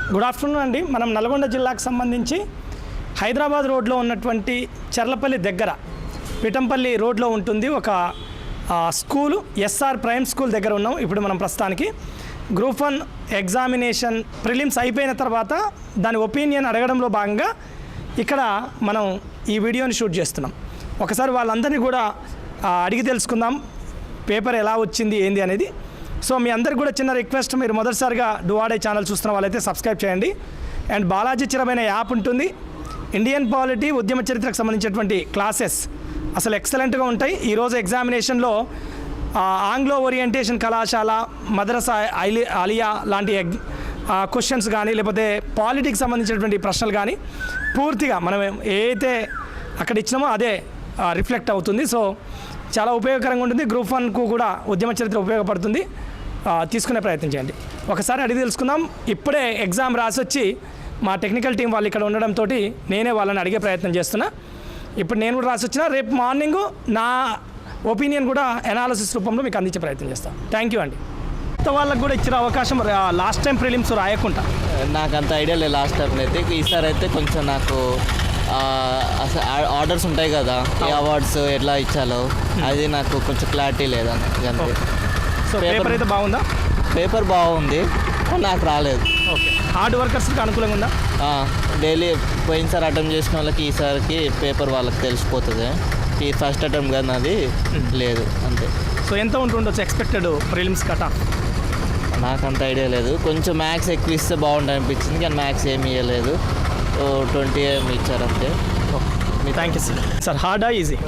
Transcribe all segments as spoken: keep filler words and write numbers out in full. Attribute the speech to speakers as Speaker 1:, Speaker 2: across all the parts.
Speaker 1: Good afternoon అండి. మనం నల్గొండ జిల్లాకు సంబంధించి హైదరాబాద్ రోడ్లో ఉన్నటువంటి చర్లపల్లి దగ్గర పిఠంపల్లి రోడ్లో ఉంటుంది ఒక స్కూలు, ఎస్ఆర్ ప్రైమ్ స్కూల్ దగ్గర ఉన్నాం. ఇప్పుడు మనం ప్రస్తుతానికి గ్రూప్ వన్ ఎగ్జామినేషన్ ప్రిలిమ్స్ అయిపోయిన తర్వాత దాని ఒపీనియన్ అడగడంలో భాగంగా ఇక్కడ మనం ఈ వీడియోని షూట్ చేస్తున్నాం. ఒకసారి వాళ్ళందరినీ కూడా అడిగి తెలుసుకుందాం పేపర్ ఎలా వచ్చింది ఏంది అనేది. సో మీ అందరికి కూడా చిన్న రిక్వెస్ట్, మీరు మొదటిసారిగా డువాడే ఛానల్ చూస్తున్న వాళ్ళైతే సబ్స్క్రైబ్ చేయండి. అండ్ బాలాజీ చిరమైన యాప్ ఉంటుంది. ఇండియన్ పాలిటీ, ఉద్యమ చరిత్రకు సంబంధించినటువంటి క్లాసెస్ అసలు ఎక్సలెంట్గా ఉంటాయి. ఈరోజు ఎగ్జామినేషన్లో ఆంగ్లో ఓరియంటేషన్ కళాశాల, మద్రసా ఐలి అలియా లాంటి ఎగ్ క్వశ్చన్స్ కానీ, లేకపోతే పాలిటిక్స్ సంబంధించినటువంటి ప్రశ్నలు కానీ పూర్తిగా మనం ఏదైతే అక్కడ ఇచ్చినామో అదే రిఫ్లెక్ట్ అవుతుంది. సో చాలా ఉపయోగకరంగా ఉంటుంది. గ్రూప్ వన్కు కూడా ఉద్యమ చరిత్ర ఉపయోగపడుతుంది. తీసుకునే ప్రయత్నం చేయండి. ఒకసారి అడిగి తెలుసుకుందాం. ఇప్పుడే ఎగ్జామ్ రాసి వచ్చి మా టెక్నికల్ టీం వాళ్ళు ఇక్కడ ఉండడంతో నేనే వాళ్ళని అడిగే ప్రయత్నం చేస్తున్నా. ఇప్పుడు నేను కూడా రాసి వచ్చిన, రేపు మార్నింగ్ నా ఒపీనియన్ కూడా ఎనాలిసిస్ రూపంలో మీకు అందించే ప్రయత్నం చేస్తాను. థ్యాంక్ యూ అండి. కొత్త వాళ్ళకు కూడా ఇచ్చిన అవకాశం లాస్ట్ టైం ప్రిలిమ్స్ రాయకుండా
Speaker 2: నాకు అంత ఐడియా లేదు. లాస్ట్ టైం అయితే ఈసారి అయితే కొంచెం నాకు ఆర్డర్స్ ఉంటాయి కదా, ఏ అవార్డ్స్ ఎట్లా ఇచ్చాలో అది నాకు కొంచెం క్లారిటీ లేదండి. అంతే.
Speaker 1: సో పేపర్ అయితే బాగుందా?
Speaker 2: పేపర్ బాగుంది, నాకు రాలేదు.
Speaker 1: ఓకే. హార్డ్ వర్కర్స్కి అనుకూలంగా ఉందా?
Speaker 2: డైలీ పోయినసారి అటెంప్ట్ చేసిన వాళ్ళకి ఈసారికి పేపర్ వాళ్ళకి తెలిసిపోతుంది. ఈ ఫస్ట్ అటెంప్ట్ కానీ అది లేదు. అంతే.
Speaker 1: సో ఎంత ఉంటుండొచ్చు ఎక్స్పెక్టెడ్ ప్రిలిమ్స్ కట్ ఆఫ్?
Speaker 2: నాకు అంత ఐడియా లేదు. కొంచెం మ్యాథ్స్ ఎక్కువ ఇస్తే బాగుంటుంది అనిపించింది, కానీ మ్యాథ్స్ ఏమి ఇవ్వలేదు. ట్వంటీ ఏమి ఇచ్చారు అంతే.
Speaker 1: Thank you sir. సార్ హార్డా ఈజీ?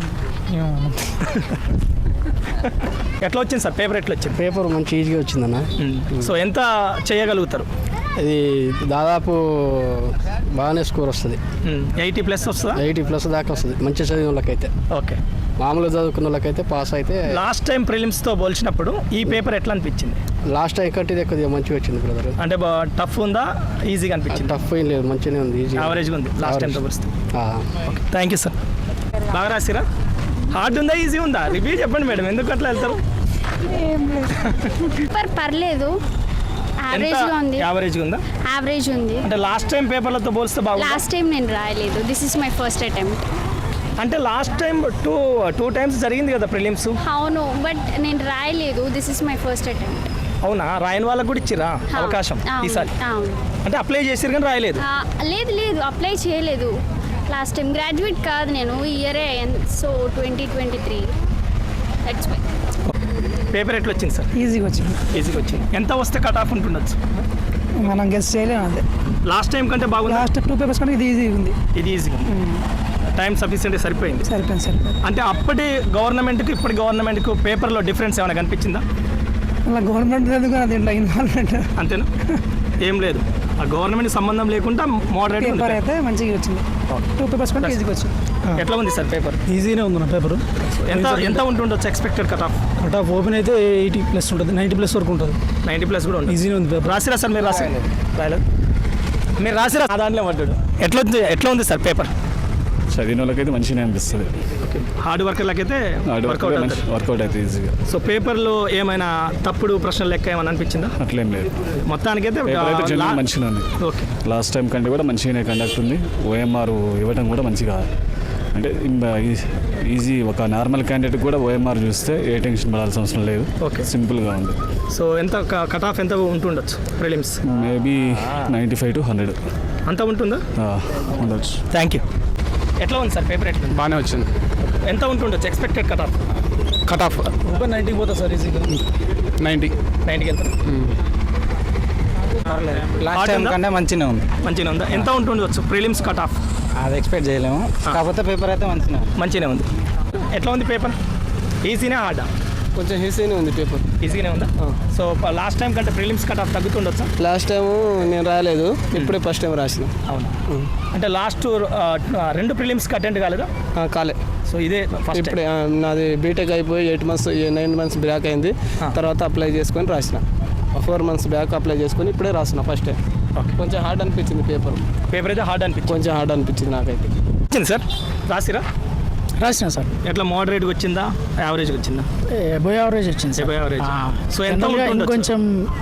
Speaker 1: ఎట్లా వచ్చింది సార్ పేపర్? ఎట్లా వచ్చింది
Speaker 3: పేపర్? మంచి ఈజీగా వచ్చిందన్న.
Speaker 1: సో ఎంత చేయగలుగుతారు?
Speaker 3: ఇది దాదాపు బాగానే స్కోర్ వస్తుంది.
Speaker 1: ఎయిటీ ప్లస్ వస్తుందా?
Speaker 3: ఎయిటీ ప్లస్ దాకా వస్తుంది మంచి చదివిన వాళ్ళకైతే.
Speaker 1: ఓకే.
Speaker 3: మామూలుగా చదువుకున్న వాళ్ళకైతే పాస్ అయితే.
Speaker 1: లాస్ట్ టైం ప్రిలిమ్స్తో పోల్చినప్పుడు ఈ పేపర్ ఎట్లా అనిపించింది?
Speaker 3: లాస్ట్ టైం కంటే ఇది కొద్దిగా మంచిగా వచ్చింది బ్రదర్.
Speaker 1: అంటే టఫ్ ఉందా, ఈజీగా అనిపించింది?
Speaker 3: టఫ్ ఏం లేదు, మంచిగానే ఉంది, ఈజీ
Speaker 1: యావరేజ్గా ఉంది లాస్ట్ టైంతో పోలిస్తే.
Speaker 3: ఓకే.
Speaker 1: Thank you sir. బాగా రాసిరా? హార్డ్ ఉందా, ఈజీ ఉందా? రివ్యూ చెప్పండి మేడం, ఎందుకు అట్లా వెళ్తారు?
Speaker 4: పేపర్ పర్లేదు, యావరేజ్గా ఉంది.
Speaker 1: యావరేజ్గా ఉందా?
Speaker 4: యావరేజ్ ఉంది.
Speaker 1: అంటే లాస్ట్ టైం పేపర్లతో పోలిస్తే బాగుంది.
Speaker 4: లాస్ట్ టైం నేను రాయలేదు, this is my first attempt.
Speaker 1: అంటే last time two two times జరిగింది కదా ప్రిలిమ్స్?
Speaker 4: అవును, బట్ నేను రాయలేదు, this is my first attempt.
Speaker 1: అవునా? రాయని వాళ్ళకు కూడా ఇచ్చిరా అవకాశం ఈసారి? అంటే అప్లై చేసారు కానీ రాయలేదు?
Speaker 4: లేదు లేదు, అప్లై చేయలేదు లాస్ట్ టైం. గ్రాడ్యుయేట్ కాదు నేను, ఈ ఇయరే. So twenty twenty three that's my.
Speaker 1: Paper ఎట్లా వచ్చింది సార్?
Speaker 5: ఈజీగా వచ్చింది.
Speaker 1: ఈజీగా వచ్చింది. ఎంత వస్తే కట్ ఆఫ్ ఉంటుండొచ్చు?
Speaker 5: మనం గెస్ చేయలేము. అంతే.
Speaker 1: లాస్ట్ టైం కంటే బాగుంది.
Speaker 5: లాస్ట్ టూ పేపర్స్ కంటే ఇది ఈజీగా ఉంది.
Speaker 1: ఇది ఈజీగా టైం సఫిషియెంట్ సరిపోయింది.
Speaker 5: సరిపోయింది సరిపోయింది.
Speaker 1: అంటే అప్పటి గవర్నమెంట్కి ఇప్పటి గవర్నమెంట్కి పేపర్లో డిఫరెన్స్ ఏమైనా కనిపించిందా?
Speaker 5: అలా గవర్నమెంట్ లేదు కదా, దీంట్లో ఇన్వాల్వ్మెంట్
Speaker 1: అంతేనా? ఏం లేదు, ఆ గవర్నమెంట్ సంబంధం లేకుండా మోడరేట్
Speaker 5: పేపర్ అయితే మంచిగా వచ్చింది. టూ పేపర్స్ కంటే ఈజీగా వచ్చింది.
Speaker 1: ఎట్లా ఉంది సార్ పేపర్?
Speaker 5: ఈజీనే ఉంది నా పేపర్.
Speaker 1: ఎంత ఎంత ఉంటుండొచ్చు expected cut off?
Speaker 5: Cut off open అయితే ఎయిటీ ప్లస్ ఉంటుంది, నైంటీ ప్లస్ వరకు ఉంటుంది.
Speaker 1: నైంటీ ప్లస్ కూడా ఉంటుంది.
Speaker 5: ఈజీనే ఉంది పేపర్.
Speaker 1: రాసిరా సార్? మీరు రాసి రాయలేదు? మీరు రాసిరా? దాంట్లో పడ్డాడు. ఎట్లా ఉంది ఎట్లా ఉంది సార్ పేపర్?
Speaker 6: చదివిన వాళ్ళకైతే మంచిగా అనిపిస్తుంది.
Speaker 1: హార్డ్ వర్కర్లకైతే వర్కౌట్
Speaker 6: వర్కౌట్ అయితే ఈజీగా.
Speaker 1: సో పేపర్లో ఏమైనా తప్పుడు ప్రశ్నలు లెక్క ఏమైనా అనిపించిందా?
Speaker 6: అట్లేం లేదు,
Speaker 1: మొత్తానికైతే
Speaker 6: మంచిగా ఉంది.
Speaker 1: ఓకే.
Speaker 6: లాస్ట్ టైం కంటే కూడా మంచిగానే కండక్ట్ ఉంది. ఓఎంఆర్ ఇవ్వడం కూడా మంచిగా, అంటే ఈజీ. ఒక నార్మల్ క్యాండిడేట్ కూడా ఓఎంఆర్ చూస్తే ఏ టెన్షన్ పడాల్సిన అవసరం లేదు.
Speaker 1: ఓకే.
Speaker 6: సింపుల్గా ఉంది.
Speaker 1: సో ఎంత కట్ ఆఫ్ ఎంత ఉంటుండొచ్చు prelims?
Speaker 6: Maybe ninety five to hundred
Speaker 1: అంత ఉంటుందా?
Speaker 6: ఉండొచ్చు.
Speaker 1: Thank you. ఎట్లా ఉంది సార్ పేపర్? ఎట్లా?
Speaker 3: బాగానే వచ్చింది.
Speaker 1: ఎంత ఉంటుండొచ్చు expected cut off?
Speaker 3: Cut off
Speaker 5: ఒక నైంటీకి పోతా సార్, ఈజీగా
Speaker 3: నైంటీ
Speaker 1: నైంటీకి వెళ్తారు.
Speaker 3: లాస్ట్ టైం కంటే మంచిగా ఉంది.
Speaker 1: మంచిగా ఉందా? ఎంత ఉంటుండొచ్చు ప్రిలిమ్స్ కట్ ఆఫ్?
Speaker 3: అది ఎక్స్పెక్ట్ చేయలేము, కాకపోతే పేపర్ అయితే మంచిగా
Speaker 1: మంచిగానే ఉంది. ఎట్లా ఉంది పేపర్? ఈజీనే హార్డా?
Speaker 3: కొంచెం ఈజీనే ఉంది పేపర్.
Speaker 1: ఈజీగానే ఉందా? సో లాస్ట్ టైం కంటే ప్రిలిమ్స్ కట్ ఆఫ్ తగ్గుతుండొచ్చా?
Speaker 3: లాస్ట్ టైం నేను రాయలేదు, ఇప్పుడే ఫస్ట్ టైం రాసిన.
Speaker 1: అవునా? అంటే లాస్ట్ రెండు ప్రిలిమ్స్కి అటెండ్ కాలేదా?
Speaker 3: కాలే.
Speaker 1: సో ఇదే ఫస్ట్.
Speaker 3: ఇప్పుడే నాది బీటెక్ అయిపోయి eight months nine months back అయింది. తర్వాత అప్లై చేసుకొని రాసిన. ఫోర్ మంత్స్ బ్యాక్ అప్లై చేసుకొని ఇప్పుడే రాసిన ఫస్ట్ టైం. కొంచెం హార్డ్ అనిపించింది పేపర్.
Speaker 1: పేపర్ అయితే హార్డ్ అనిపించింది?
Speaker 3: కొంచెం హార్డ్ అనిపించింది నాకైతే.
Speaker 1: వచ్చింది సార్? రాసిరా?
Speaker 5: రాసిన సార్.
Speaker 1: ఎట్లా మోడరేట్గా వచ్చిందా, యావరేజ్గా వచ్చిందా?
Speaker 5: ఎబో యావరేజ్ వచ్చింది.
Speaker 1: Above average. సో ఎంత
Speaker 5: కొంచెం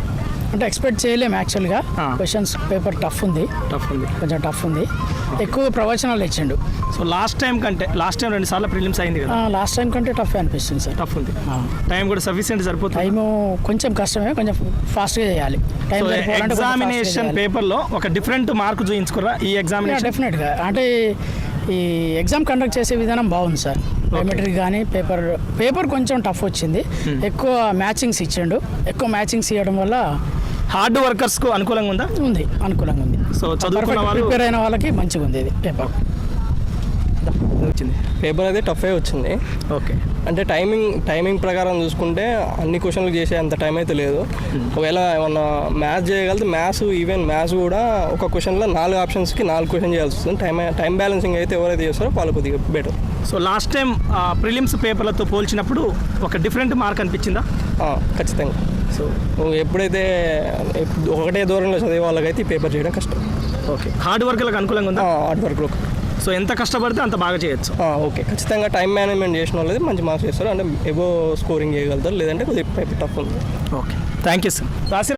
Speaker 5: అంటే ఎక్స్పెక్ట్ చేయలేము యాక్చువల్గా.
Speaker 1: ఆ.
Speaker 5: క్వశ్చన్స్ పేపర్ టఫ్ ఉంది,
Speaker 1: టఫ్ ఉంది.
Speaker 5: కొంచెం టఫ్ ఉంది. ఎక్కువ ప్రవచనాలు ఇచ్చిండు.
Speaker 1: సో లాస్ట్ టైం కంటే లాస్ట్ టైం రెండు సార్లు ప్రిలిమ్స్ అయింది కదా,
Speaker 5: లాస్ట్ టైం కంటే టఫ్ అనిపిస్తుంది సార్.
Speaker 1: టఫ్ ఉంది. టైం కూడా సఫిషియెంట్ సరిపోతుంది.
Speaker 5: టైము కొంచెం కష్టమే, కొంచెం ఫాస్ట్గా చేయాలి. టైం
Speaker 1: సో ఎగ్జామినేషన్ పేపర్లో ఒక డిఫరెంట్ మార్క్ చూపించుకురా ఈ ఎగ్జామినేషన్.
Speaker 5: డెఫినెట్గా అంటే ఈ ఎగ్జామ్ కండక్ట్ చేసే విధానం బాగుంది సార్. బయోమెట్రిక్ కానీ పేపర్ పేపర్ కొంచెం టఫ్ వచ్చింది. ఎక్కువ మ్యాచింగ్స్ ఇచ్చిండు. ఎక్కువ మ్యాచింగ్స్ ఇవ్వడం వల్ల
Speaker 1: హార్డ్ వర్కర్స్కు అనుకూలంగా ఉందా?
Speaker 5: ఉంది, అనుకూలంగా ఉంది.
Speaker 1: సో చదువుకున్న వాళ్ళు
Speaker 5: ప్రిపేర్ అయిన వాళ్ళకి మంచిగా ఉంది ఇది పేపర్.
Speaker 1: వచ్చింది
Speaker 7: పేపర్ అయితే టఫే వచ్చింది.
Speaker 1: ఓకే.
Speaker 7: అంటే టైమింగ్ టైమింగ్ ప్రకారం చూసుకుంటే అన్ని క్వశ్చన్లు చేసే అంత టైం అయితే లేదు. ఒకవేళ ఏమన్నా మ్యాథ్స్ చేయగలిగితే మ్యాథ్స్ ఈవెన్ మ్యాథ్స్ కూడా ఒక క్వశ్చన్లో నాలుగు ఆప్షన్స్కి నాలుగు క్వశ్చన్ చేయాల్సి వస్తుంది. టైం టైం బ్యాలెన్సింగ్ అయితే ఎవరైతే చేస్తారో వాళ్ళు కొద్దిగా better.
Speaker 1: So last time prelims పేపర్లతో పోల్చినప్పుడు ఒక డిఫరెంట్ మార్క్ అనిపించిందా?
Speaker 7: ఖచ్చితంగా. సో ఎప్పుడైతే ఒకటే దూరంలో చదివే వాళ్ళకైతే ఈ పేపర్ చేయడం కష్టం.
Speaker 1: ఓకే. హార్డ్ వర్క్లకు అనుకూలంగా ఉందా?
Speaker 7: హార్డ్ వర్క్లో
Speaker 1: సో ఎంత కష్టపడితే అంత బాగా చేయొచ్చు.
Speaker 7: ఓకే. ఖచ్చితంగా టైం మేనేజ్మెంట్ చేసిన వాళ్ళది మంచి మార్క్స్ చేస్తారు. అంటే ఎబో స్కోరింగ్ చేయగలుగుతారు, లేదంటే కొద్దిగా పేపర్ టఫ్ ఉంది.
Speaker 1: ఓకే. Thank you sir. రాసి